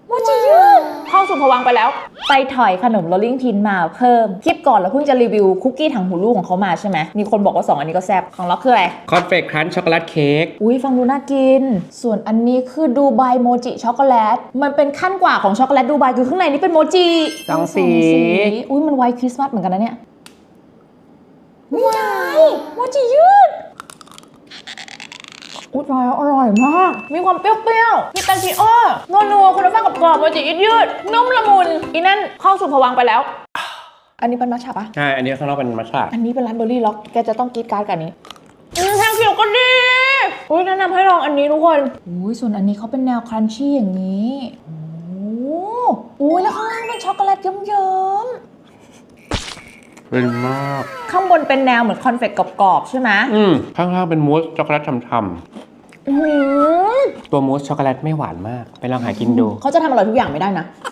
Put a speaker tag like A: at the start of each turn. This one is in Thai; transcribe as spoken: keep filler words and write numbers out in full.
A: โมจิยืดเข้าสู่ภวังค์ไปแล้วไปถอยขนมโรลลิ่งพินมาเพิ่มคลิปก่อนเราเพิ่งจะรีวิวคุกกี้ถังหูลูกของเขามาใช่ไหมมีคนบอกว่าสองอันนี้ก็แซ่บของเราคืออะไร
B: คอนเฟกครันช์ช็อกโกแลตเค้ก
A: อุ้ยฟังดูน่ากินส่วนอันนี้คือดูไบโมจิช็อกโกแลตมันเป็นขั้นกว่าของช็อกโกแลตดูไบคือข้างในนี่เป็นโมจิ
B: สองสี
A: อุ้ยมันไวท์คริสต์มาสเหมือนกันนะเนี่ยว้ายโมจิยืดอุ้ยอร่อยอร่อยมากมีความเปรี้ยวๆพิตาชิโอ้นัวๆคุณภาพกับกรอบโมจิยืดๆนุ่มละมุนอีนั่นเข้าสู่ภวังค์ไปแล้วอันนี้เป็นมัทฉะปะ
B: ใช่อันนี้ข้างนอกเป็นมัทฉะ
A: อันนี้เป็นร้านเบอร์รี่ล็อกแกจะต้องกรีดการ์ดกับอันนี้อืมแท่งเขียวก็ดีอุ้ยแนะนำให้ลองอันนี้ทุกคนอุ้ยส่วนอันนี้เขาเป็นแนวครันชี่อย่างนี้โอ้อุ้ยแล้วข้างล่างเป็นช็อกโกแลตเยิ้มๆ
B: เป็นมาก
A: ข้างบนเป็นแนวเหมือนคอนเฟกต์กรอบๆใช่ไหม
B: อืมข้างล่างเป็นมูสช็อกโกแลตฉ่ำๆตัวมูสช็อกโกแลตไม่หวานมากไปลองหากินดู
A: เขาจะทำอร่อยทุกอย่างไม่ได้นะ